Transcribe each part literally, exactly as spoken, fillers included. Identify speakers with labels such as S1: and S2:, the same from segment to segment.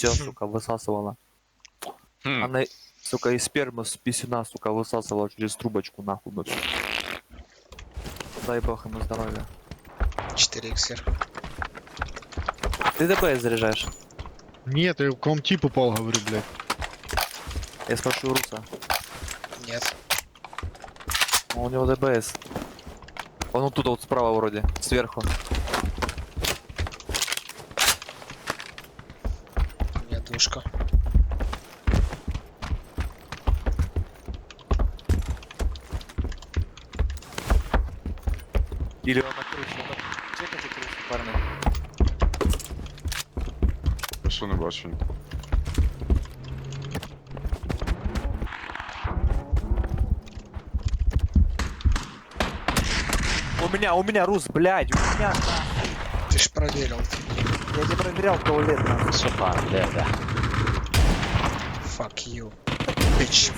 S1: все, сука, высасывала.
S2: Хм.
S1: Она, сука, из спермы с писюна, сука, высасывала через трубочку, нахуй, бы. Дай бог ему здоровья.
S3: четыре икс эр.
S1: Ты ДПС заряжаешь?
S4: Нет, я к вам тип упал, говорю, блядь.
S1: Я спрашиваю Руса.
S3: Нет.
S1: А у него ДПС. Он вот тут вот справа вроде, сверху.
S3: У меня душка.
S1: Или он на крыше. Он на- Чекайте крышу, парни.
S2: Я що не бачу.
S1: У меня, у меня, Рус, блядь, у меня.
S3: Ты ж проверил.
S1: Я не проверял туалет, нахуй.
S5: Сопа, да, да.
S3: Fuck you. Bitch.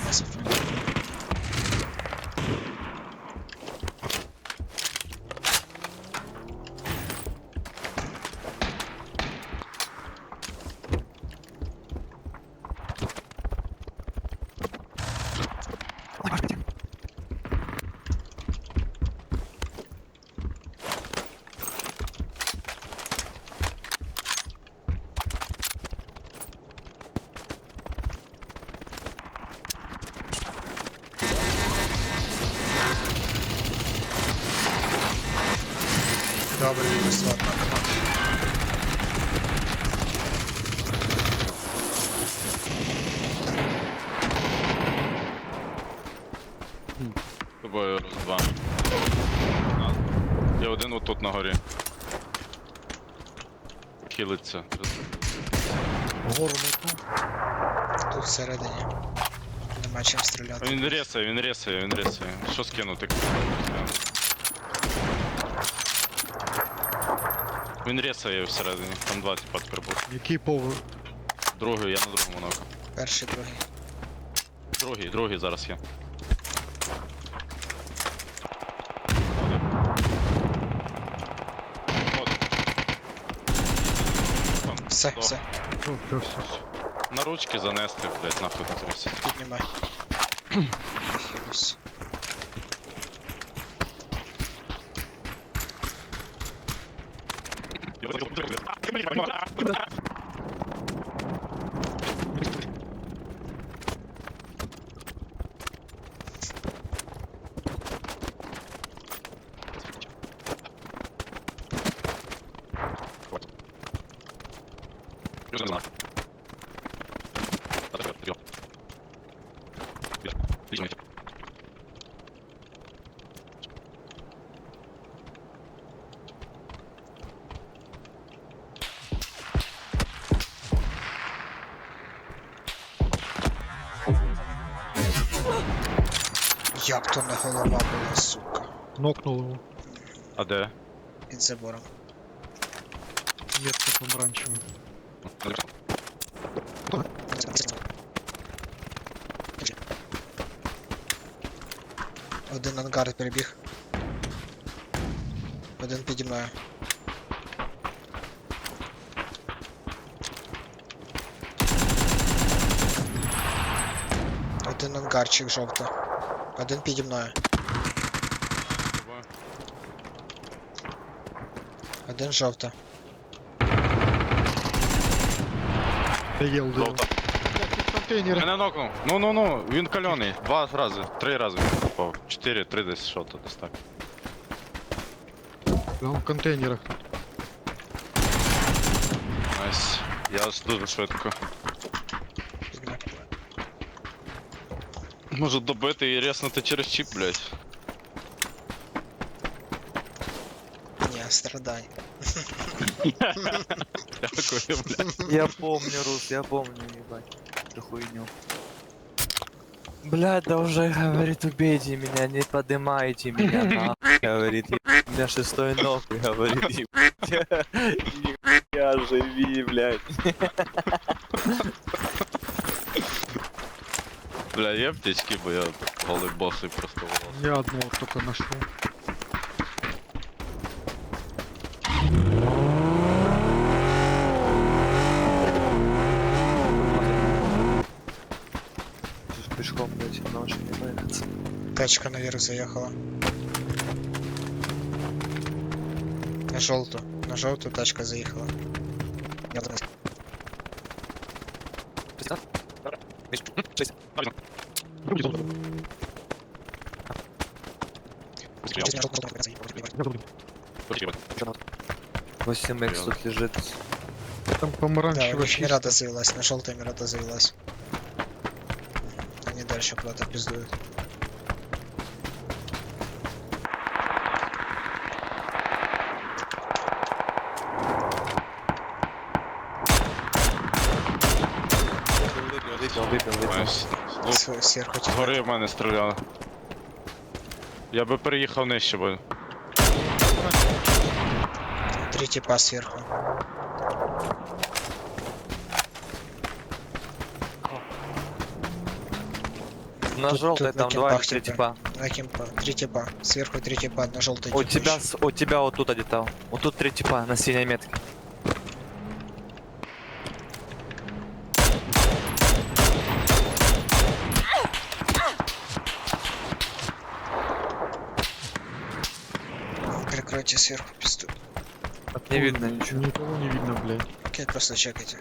S3: Добре, мінус одна команда.
S2: З тобою роз два. Я один отут на горі. Хилиться.
S4: Гору метну.
S3: Тут всередині. Нема чим стріляти.
S2: Він ресає, він ресає, він ресає. Що скинути? Він ресає всередині, там два типа тепер будуть.
S4: Який поверх?
S2: Другий, я на другому ноку.
S3: Перший, другий.
S2: Другий, другий зараз є. От. Там,
S3: Все,
S2: до-
S3: все,
S4: О, все, все, все.
S2: На ручки занести, блять, нахуй тут трясся.
S3: піднімай. Хілюсь. Як то не голова була, сука.
S4: Нокнул его.
S2: А де?
S3: Під забором.
S4: Метка помаранчевая.
S3: Один ангар перебіг. Один піді мною. Один ангарчик жовто. Один піді мною. Один жовто.
S4: Я ел дым.
S2: Жовта.
S4: Контейнеры.
S2: Мене нокнув. Ну ну ну, він кальоний. Два рази, три рази він попав. Чотири, три десь що то десь так.
S4: Да, он в контейнерах.
S2: Найс. Я аж дуже швидко.
S3: Піднімай.
S2: Можу добити і резнути через чіп, блядь.
S3: Ні, страдай.
S2: Дякую, блядь.
S1: Я помню, Рус, я помню, ебать. Эту хуйню. Блядь, да уже, говорит, убейте меня, не поднимайте меня, нахуй, говорит, «Ебать, у меня шестой ног, говорит, ебать, я живи, блядь.
S2: Бля, є аптечки, бо я голий босий просто волос.
S4: Я одного только нашел.
S3: Тачка наверх заехала. На желтую. На желтую тачка заехала. Я думаю, сейчас на желтую заехала.
S1: восемь икс тут лежит.
S4: Там
S3: Да, у
S4: помаранчевая
S3: них
S4: чисто.
S3: Мирата завелась, на желтой Мирата завелась. Они дальше куда-то пиздуют.
S1: Выпил, выпил, выпил.
S2: Найс. Ну,
S3: С- Сверху тебя.
S2: згори в мене стріляли. Я би переїхав нижче, бо
S3: Три типа сверху.
S1: На
S3: Тут-
S1: желтой
S3: тут на
S1: там два или
S3: кемпах
S1: три
S3: типа.
S1: типа.
S3: На кемпа. Три типа. Сверху три типа, на желтой
S1: У тебя, с- у тебя вот тут где-то. Вот тут три типа на синей метке.
S3: Прикройте сверху пизду.
S1: Не видно ничего.
S4: Никого не видно, блядь.
S3: Окей, просто чекайте.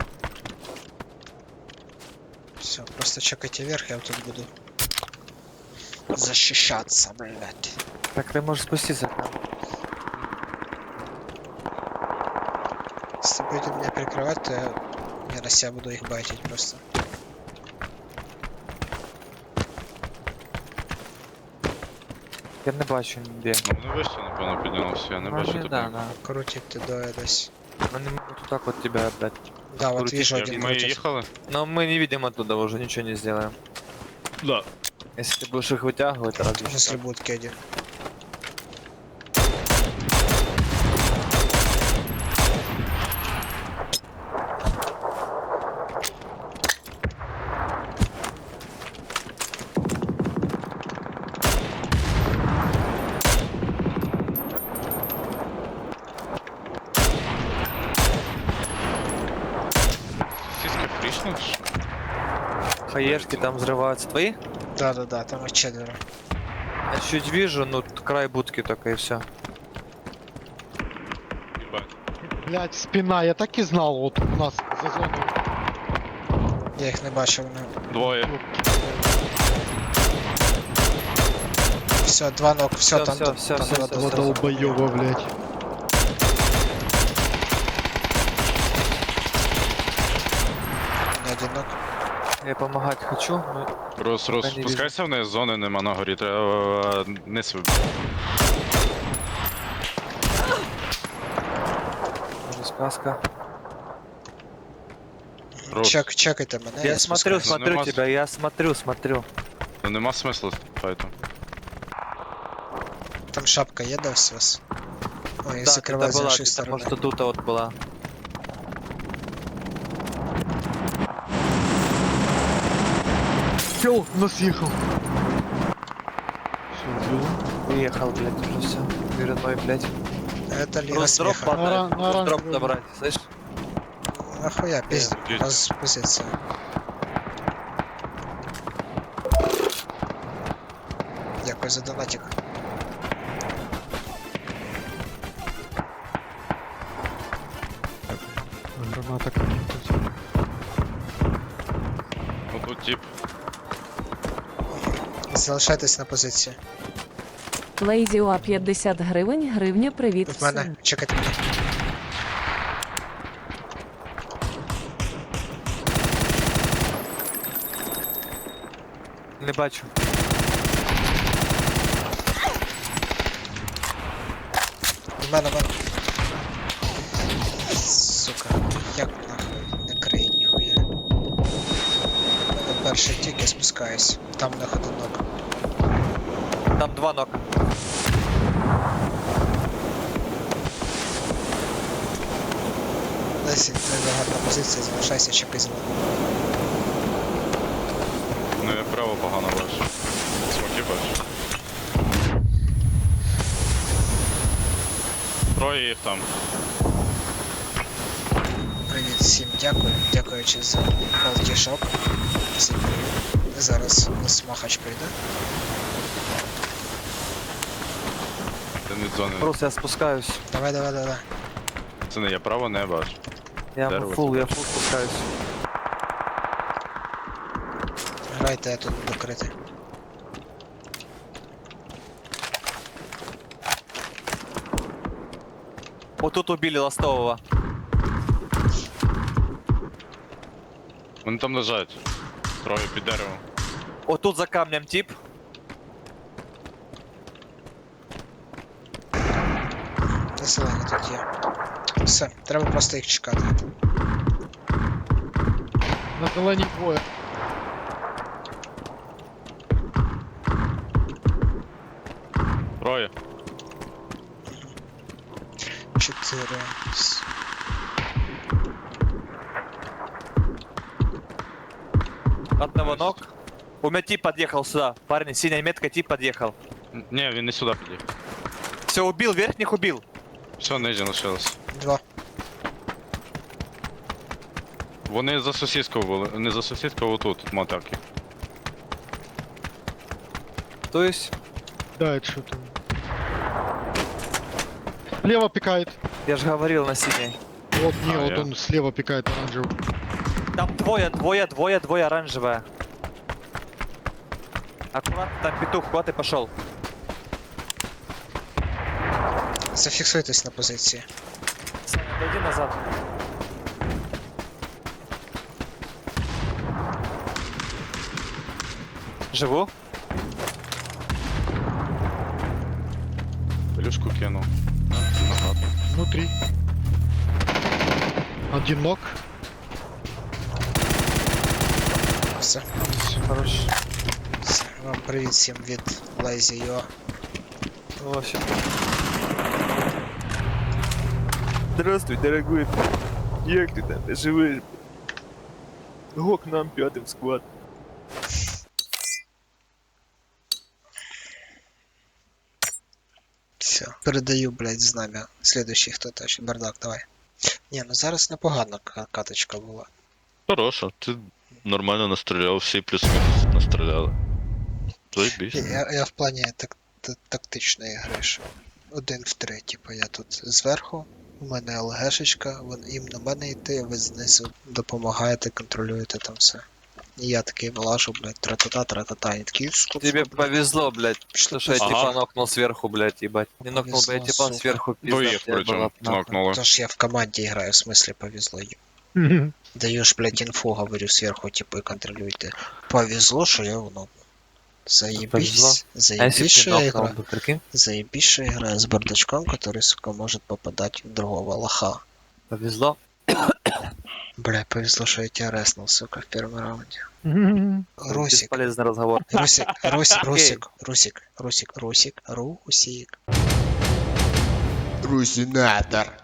S3: Все, просто чекайте вверх, я вот тут буду защищаться, блядь.
S1: Так ты можешь спуститься.
S3: Если будете меня прикрывать, то я, я на себя буду их байтить просто.
S1: Я не бачу ніде.
S2: ну, вони вище, напевно, піднялося, я не
S1: Ну,
S2: бачу
S1: не,
S2: тебе.
S1: да, да.
S3: Крутит ты доедась.
S1: Ну не могу тут так вот тебя опять.
S3: Да, вот
S1: Крутить
S3: вижу
S1: я-
S3: один
S2: Ми
S3: крутит.
S2: їхали?
S1: Но мы не видим оттуда уже, ничего не сделаем.
S2: Да.
S1: Если ты будешь их вытягивать, разве что
S3: Если
S1: так.
S3: будет кеди.
S2: Сіськи фрішнеш?
S1: Хаешки там взрываются. Твои?
S3: Да-да-да, там их четверо.
S1: Я чуть вижу, ну т- край будки только и все.
S2: Їбать.
S4: Блядь, спина, я так і знав, от у нас за зоною.
S3: Я их не бачив, ну.
S2: Двоє.
S3: Все, два ног, все,
S1: Всё,
S3: там,
S1: всё,
S3: там,
S1: всё,
S3: там
S1: всё,
S3: два
S1: всё,
S3: дома.
S1: всё.
S4: Долбоёба, блядь.
S3: Не один ног.
S1: Я помогать хочу, но
S2: Рус, Рус,
S1: Пока не
S2: спускайся вниз, зони нема на горі, треба е, низ виб-
S1: уже сказка.
S2: Рус.
S3: Чек, чекайте мене.
S1: Я смотрю,
S3: спускаюсь.
S1: смотрю
S2: Нема-
S1: тебя, я смотрю, смотрю.
S2: Ну нема смислу файту.
S3: Там шапка є, да, все. Ой,
S1: Да,
S3: закривай
S1: это
S3: з
S1: была,
S3: іншої
S1: где-то,
S3: сторони.
S1: может, тут вот была.
S4: Чел, нас ехал. Все, взял.
S1: Уехал, блядь, уже все. Верной, блядь.
S3: Это Лига
S1: Просто дроп
S3: смеха.
S4: На ра-
S1: подать,
S4: на
S1: дроп
S4: оранжевый.
S1: добрать, слышь?
S3: Нахуя, пиздец.
S2: Э,
S3: У нас позиция. Дякую за донатик.
S4: Граната какая-то.
S2: Ну тут тип.
S3: Залишайтесь на позиції.
S5: Лейзіо п'ятдесят гривень, гривня, привіт
S3: В мене.
S5: всім.
S3: Чекайте мене.
S1: Не бачу.
S3: В мене, в мене. Сука, як нахуй не крий ніхуя. В мене перший тік, я спускаюсь. Там на ходунок.
S1: Там два нока.
S3: Лесі, це гарна позиція, залишайся, чекай знову.
S2: Ну я право погано бачу. Смоки бачу. Троє їх там.
S3: Привіт всім, дякую. Дякуючи за палтішок. Всім привіт. Зараз у нас махач прийде.
S2: від зони.
S1: Просто я спускаюсь.
S3: Давай, давай, давай.
S2: Це не я право не бачу.
S1: Я
S2: Дерево
S1: фул,
S2: це
S1: я
S2: бачу.
S1: фул спускаюсь.
S3: Грайте, я тут докритий.
S1: Вот тут убили ластового.
S2: Вони там лежать. Троє під деревом.
S1: Вот тут за камнем тип.
S3: Населення тут є. Все, треба просто їх чекати.
S4: На зеленій двоє.
S2: Троє.
S3: Чотири. С-
S1: Одного ног. У меня тип подъехал сюда. Парни, синяя метка, тип подъехал.
S2: Н- Ні, він не сюди під'їхав.
S1: Все, убил, верхних убил.
S2: Все, нижні лишилось.
S3: Два.
S2: Вони за сусідкою були. Не за сусідкою, а отут, мотаки.
S1: То есть,
S4: Да, это что там? Слева пикает.
S1: я же говорил на синей.
S4: Вот, не,
S2: А,
S4: вот
S2: я-
S4: он слева пикает оранжевый.
S1: Там двое, двое, двое, двое оранжевая. Аккуратно, там петух, куда ты пошел?
S3: Зафіксуйтесь на позиції.
S1: Саня, отойди назад. Живу?
S2: Плюшку кинув. Назад.
S4: Внутри. Один ног.
S3: Все.
S1: Хорош.
S3: Все. Вам привіт всім від Lazy.ua.
S1: Вообще. Здравствуй, дорогой. Як ты там живешь? Го к нам пятым склад.
S3: Все. Передаю, блядь, знам'я. Следующий хто теж. Бардак, давай. Ні, ну зараз непогана ка- каточка була.
S6: Хорошо, ти нормально настріляв, всі плюс-мінус настріляли. Заєбісь.
S3: Я, я в плані так, та- тактичної гри. Що один в три, типу, я тут зверху, у мене ЛГшечка, вон їм на мене йти, ви знизу допомагаєте, контролюєте там все. І я такий вилажу, блядь, тра-та-та, тра-та-та, і такий скуп,
S1: Тебе
S3: скуп,
S1: повезло, блядь,
S3: Пішло,
S1: что я
S3: пішло.
S1: типа нокнул сверху, блядь, ебать. Не нокнул бы я
S3: Повезло,
S1: типа
S3: сука.
S1: сверху, пизда,
S2: Двоїх
S1: тебя
S2: причому
S1: было б нахуй.
S2: нокнули.
S3: Тож я в команді граю, в смислі повезло. Даю ж, блядь, інфу, говорю сверху, типу, і контролюйте. Повезло, що я воно.
S1: Повезло.
S3: Заебись,
S1: А если
S3: заебись,
S1: бы
S3: что
S1: ты
S3: я
S1: нокнул
S3: играю.
S1: бы, прикинь?
S3: Заебись, что я играю с бардачком, который, сука, может попадать в другого лоха.
S1: Повезло.
S3: Бля, повезло, что я тебя резнул, сука, в первом раунде. Русик,
S1: Бесполезный разговор.
S3: Русик, Русик, Русик, Русик, Русик, Русик, Русик. Русинатор.